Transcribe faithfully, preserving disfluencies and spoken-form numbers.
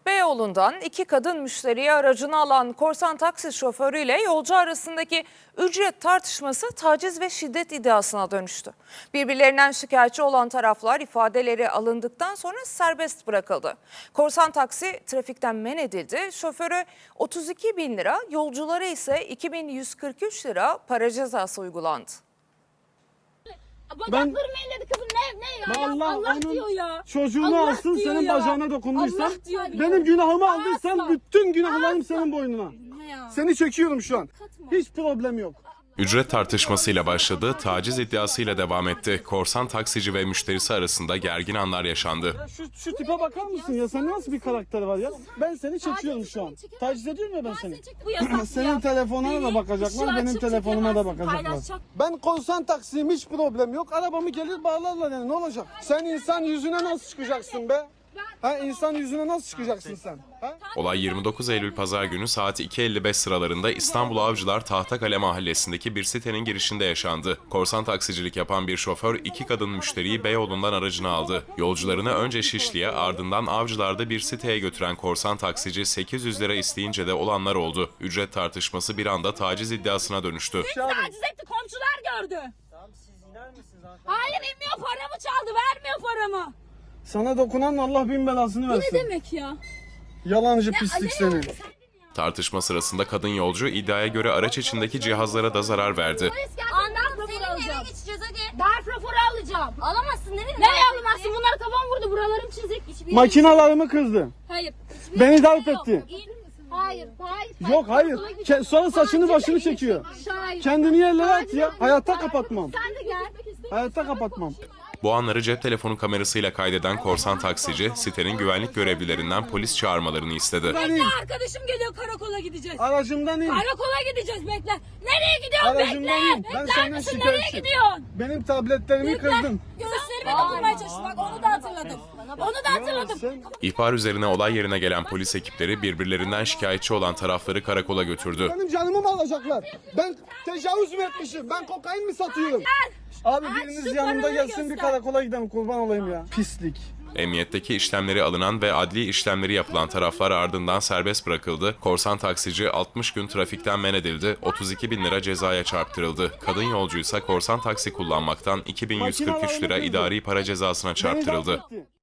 Beyoğlu'ndan iki kadın müşteriyi aracına alan korsan taksi şoförüyle yolcu arasındaki ücret tartışması taciz ve şiddet iddiasına dönüştü. Birbirlerinden şikayetçi olan taraflar ifadeleri alındıktan sonra serbest bırakıldı. Korsan taksi trafikten men edildi. Şoförü otuz iki bin lira, yolculara ise iki bin yüz kırk üç lira para cezası uygulandı. Bacaklarımı elledi kızım, ne ne ya? Allah, Allah onun diyor ya. çocuğunu Allah alsın, diyor senin ya. bacağına dokunduysan, Allah diyor ya. benim günahımı Asla. aldıysan bütün günahlarım senin boynuna. Ne ya? Seni çekiyorum şu an. Katma. Hiç problem yok. Ücret tartışmasıyla başladı, taciz iddiasıyla devam etti. Korsan taksici ve müşterisi arasında gergin anlar yaşandı. Ya şu, şu tipe bakar mısın ya? Sen nasıl bir karakter var ya? Ben seni çekiyorum şu an. Taciz ediyorum ya ben seni. Bu yasak Senin ya. telefonuna da bakacaklar, Beni benim ışığı telefonuma da açıp bakacaklar. paylaşacak. Ben korsan taksiyim, hiç problem yok. Arabamı gelir bağlarlar yani, ne olacak? Sen insan yüzüne nasıl çıkacaksın be? Ha, insan yüzüne nasıl çıkacaksın sen? Ha? Olay yirmi dokuz Eylül Pazar günü saat iki elli beş sıralarında İstanbul Avcılar Tahtakale mahallesindeki bir sitenin girişinde yaşandı. Korsan taksicilik yapan bir şoför iki kadın müşteriyi Beyoğlu'ndan aracına aldı. Yolcularını önce Şişli'ye, ardından Avcılar'da bir siteye götüren korsan taksici sekiz yüz lira isteyince de olanlar oldu. Ücret tartışması bir anda taciz iddiasına dönüştü. Taciz etti, komşular gördü. Tamam, siz iner misiniz hanımefendi? Hayır, inmiyor, paramı çaldı, vermiyor paramı. Sana dokunan Allah bin belasını Bu versin. ne demek ya? Yalancı pislik seni. Tartışma sırasında kadın yolcu iddiaya göre araç içindeki cihazlara da zarar verdi. Polis geldi, Anladım, darp raporu seninle eve alacağım. geçeceğiz hadi. Darp raporu alacağım. Alamazsın, nereye? Nereye alamazsın? Bunlar kafam vurdu, buralarım çizik. Hiçbir Makinalarımı kızdı. Hayır. Beni darp etti. Hayır, hayır. Yok hayır. Ke- sonra saçını başını Şahit. çekiyor. Şahit. Kendini yerlere at ya. Hayatta kapatmam. Sen de gel. Hayatta kapatmam. Bu anları cep telefonu kamerasıyla kaydeden korsan taksici, sitenin güvenlik görevlilerinden polis çağırmalarını istedi. Bekle, arkadaşım geliyor, karakola gideceğiz. Aracımdan in. Karakola gideceğiz, bekle. Nereye gidiyorsun, Aracımdan bekle. in. Ben Bekler senden misin, nereye şikayetçiyim. gidiyorsun? Benim tabletlerimi Bekle. kırdın. Göğüslerime dokunmaya çalıştı, bak onu da hatırladım. Onu da hatırladım. Sen İhbar üzerine olay yerine gelen polis ekipleri birbirlerinden şikayetçi olan tarafları karakola götürdü. benim canımı mı alacaklar? Ben tecavüz mü etmişim? Ben kokain mi satıyorum? Abi biriniz şu yanımda paraları gelsin, bir göster. karakola gidelim, kurban olayım ya. Pislik. Emniyetteki işlemleri alınan ve adli işlemleri yapılan taraflar ardından serbest bırakıldı. Korsan taksici altmış gün trafikten men edildi, otuz iki bin lira cezaya çarptırıldı. Kadın yolcuysa korsan taksi kullanmaktan iki bin yüz kırk üç lira idari para cezasına Beni çarptırıldı. darp etti.